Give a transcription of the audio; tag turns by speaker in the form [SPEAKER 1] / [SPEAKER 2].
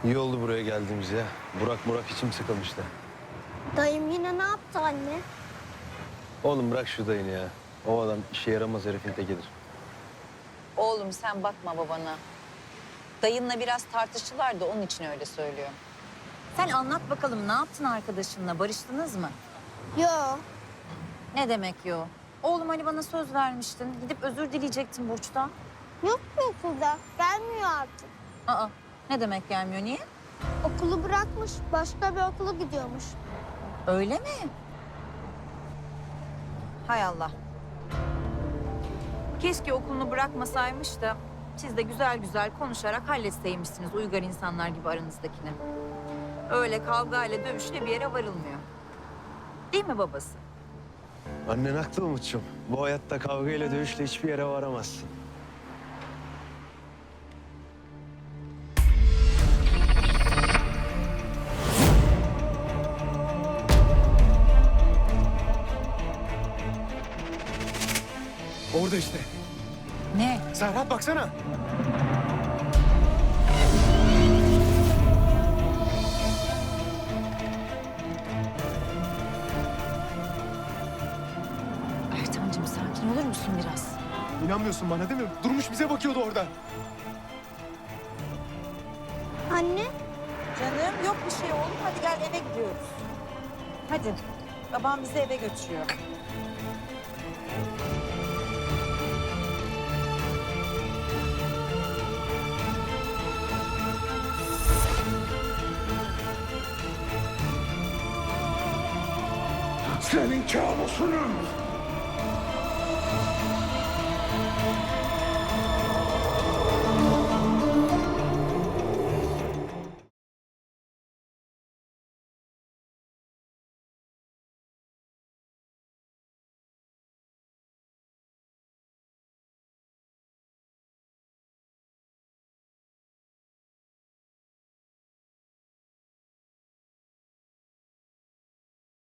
[SPEAKER 1] İyi oldu buraya geldiğimiz ya. Burak içim sıkılmıştı.
[SPEAKER 2] Dayım yine ne yaptı anne?
[SPEAKER 1] Oğlum bırak şu dayını ya. O adam işe yaramaz herifin tekidir.
[SPEAKER 3] Oğlum sen bakma babana. Dayınla biraz tartıştılar da onun için öyle söylüyor. Sen anlat bakalım ne yaptın arkadaşınla? Barıştınız mı?
[SPEAKER 2] Yo.
[SPEAKER 3] Ne demek yo? Oğlum hani bana söz vermiştin. Gidip özür dileyecektin Burç'tan.
[SPEAKER 2] Yok mu okulda? Gelmiyor artık.
[SPEAKER 3] Aa, ne demek gelmiyor? Niye?
[SPEAKER 2] Okulu bırakmış. Başka bir okula gidiyormuş.
[SPEAKER 3] Öyle mi? Hay Allah. Keşke okulunu bırakmasaymış da siz de güzel güzel konuşarak halletseymişsiniz uygar insanlar gibi aranızdakini. Öyle kavgayla dövüşle bir yere varılmıyor. Değil mi babası?
[SPEAKER 1] Annen haklı Umut'cum. Bu hayatta kavgayla dövüşle hiçbir yere varamazsın.
[SPEAKER 4] Orada işte.
[SPEAKER 3] Ne?
[SPEAKER 4] Serhat baksana.
[SPEAKER 3] Ertan'cığım sakin olur musun biraz?
[SPEAKER 4] İnanmıyorsun bana değil mi? Durmuş bize bakıyordu orada.
[SPEAKER 2] Anne?
[SPEAKER 3] Canım yok bir şey oğlum. Hadi gel eve gidiyoruz. Hadi. Babam bizi eve götürüyor.
[SPEAKER 5] Senin kabusunun